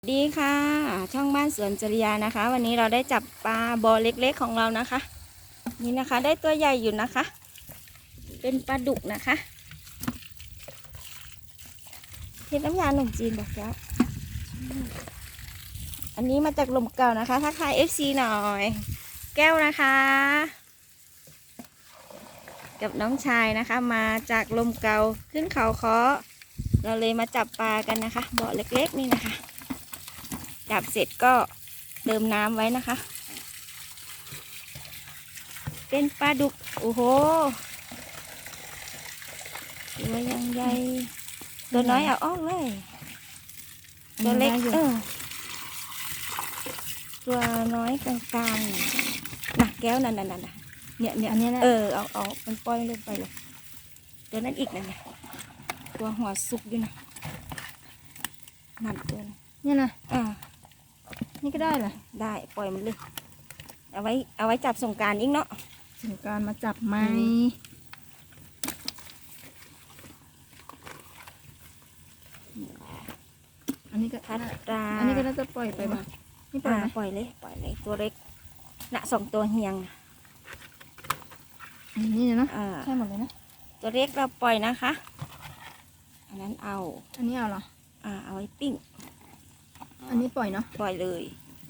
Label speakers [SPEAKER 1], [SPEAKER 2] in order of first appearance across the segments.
[SPEAKER 1] ดีค่ะช่องบ้านสวนจริยานะคะ วันนี้เราได้จับปลาบอเล็กๆของเรานะคะนี่นะคะได้ตัวใหญ่อยู่นะคะ เป็นปลาดุกนะคะเทน้ำยาขนมจีนบอกแล้วอันนี้มาจากลมเก่านะคะทักทาย FC หน่อยแก้วนะคะกับน้องชายนะคะ มาจากลมเก่าขึ้นเขาค้อเราเลยมาจับปลากันนะคะบ่อเล็กๆนี่นะคะจับเสร็จก็เติมน้ำไว้นะคะ เป็นปลาดุกโอ้โหตัวยังใหญ่ตัวน้อยเอาออกเลยตัวเล็กตัวน้อยกลางๆน่ะแก้วนั่นเนี่ย
[SPEAKER 2] อันนี้นะ
[SPEAKER 1] เอามันปล่อยลงไปเลยตัวนั้นอีกนั่นตัวหัวสุกด้วยนะนั่นตัว
[SPEAKER 2] นี่นะนี่ก็ได้เหรอ
[SPEAKER 1] ได้ปล่อยมันเลยเอาไว้จับสงกรานต์อีกเนาะ
[SPEAKER 2] สงกรานต์มาจับไหมอันนี้ก็
[SPEAKER 1] ทัดปลา
[SPEAKER 2] อันนี้ก็น่าจะปล่อยไปบ้างนี่ปล่อยไหม
[SPEAKER 1] ปล่อยเลยตัวเล็กน่ะ2 ตัวเฮียง
[SPEAKER 2] อันนี้เนาะใช่หมดเลยนะ
[SPEAKER 1] ตัวเล็กเราปล่อยนะคะอันนั้น
[SPEAKER 2] อันนี้เอาเหรอ
[SPEAKER 1] เอาไว้ปิ้ง
[SPEAKER 2] อันนี้ปล่อยเนาะ
[SPEAKER 1] ปล่อยเลย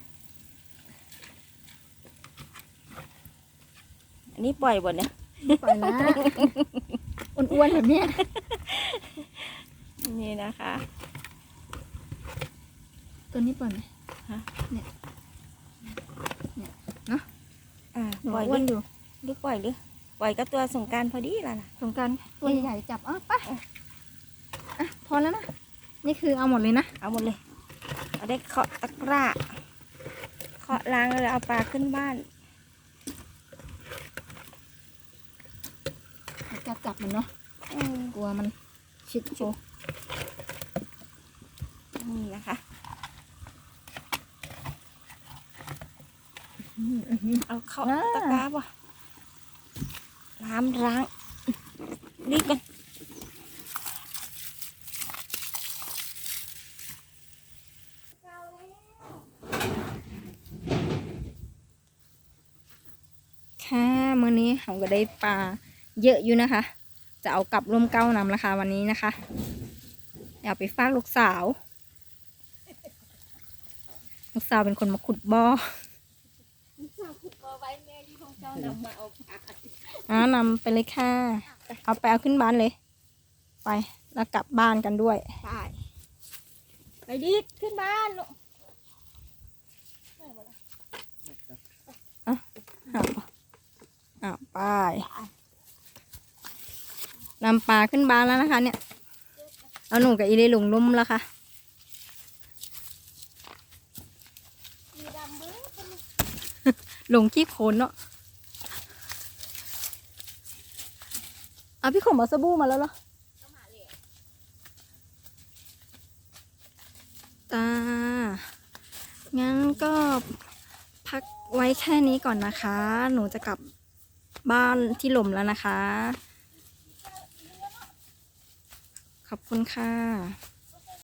[SPEAKER 1] อันนี้ปล่อยบนเนี่ย
[SPEAKER 2] ปล่อยนะอ้วนๆแบบนี้
[SPEAKER 1] นี่นะคะ
[SPEAKER 2] ตัวนี้ปล่อยไหมเนี่ยเนาะ
[SPEAKER 1] ปล่อย
[SPEAKER 2] อยู่
[SPEAKER 1] หรือปล่อยก็ตัวสงกรานต์พอดีแล้วนะ
[SPEAKER 2] สงกรานต์ตัวใหญ่จับไปพอแล้วนะนี่คือเอาหมดเลยนะ
[SPEAKER 1] เอาหมดเลยเอาได้เคาะตะกร้าเคาะล้างแล้วเอาปลาขึ้นบ้าน
[SPEAKER 2] จับมันเนาะกลัวมันชิดโช
[SPEAKER 1] นี่นะคะเอาเข้าตะกร้าป่ะน้ำล้างรีบกัน
[SPEAKER 2] ค่ะมื้อนี้เราก็ได้ปลาเยอะอยู่นะคะจะเอากลับร่มเก้านำราคาวันนี้นะคะอยากไปฝากลูกสาวเป็นคนมาขุดบ่อนำไปเลยค่ะเอาขึ้นบ้านเลยไปแล้วกลับบ้านกันด้วย
[SPEAKER 1] ไปดิขึ้นบ้านลูก
[SPEAKER 2] ไปนำปลาขึ้นบ้านแล้วนะคะเนี่ยเอาหนูกับอีเลหลงลุ่มแล้วค่ะหลงขี้โคลนเนาะพี่ขมเอาสบู่มาแล้วเหรองั้นก็พักไว้แค่นี้ก่อนนะคะหนูจะกลับบ้านที่หล่มแล้วนะคะขอบคุณค่ะ